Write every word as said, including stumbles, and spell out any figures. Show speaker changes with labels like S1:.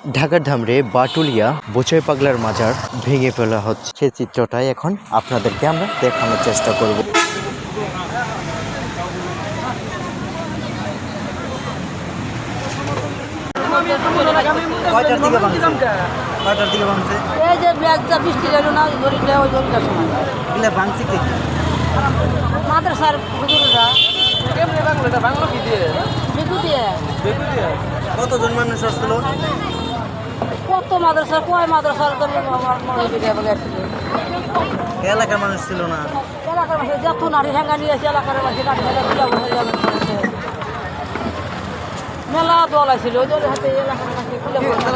S1: ঢাকার ধামরে বাটুলিয়া বোচাই পাগলার মাজার ভেঙে ফেলা হচ্ছে, সেই চিত্রটাই এখন আপনাদেরকে আমরা দেখানোর চেষ্টা করব।
S2: কয়টার দিকে ভাঙছে? কয়টার দিকে ভাঙছে?
S3: এই যে ব্যাগটা বৃষ্টি গেল না ওই দড়িটা ওই দড়িটার সময়
S2: এগুলো ভাঙছে কি?
S3: মাদ্রাসার হুজুরেরা
S4: কেমনে বাংলো এটা বাংলো কি দিয়ে
S3: বেকু দিয়ে
S4: বেকু দিয়ে
S2: কতজন মানুষ আসছিল?
S3: কত মাদ্রাসার কয় মাদ্রাসার আমার মনে হয় বলে আসছিল।
S2: এলাকার মানুষ ছিল না।
S3: এলাকার মাসে যত নারী ঠেঙ্গা নিয়ে এসে এলাকার মাসে নারী ঠেঙ্গা তুলা বসে যাবে মেলা দল আসছিল ওই দলের হাতে এলাকার মাসে খুলে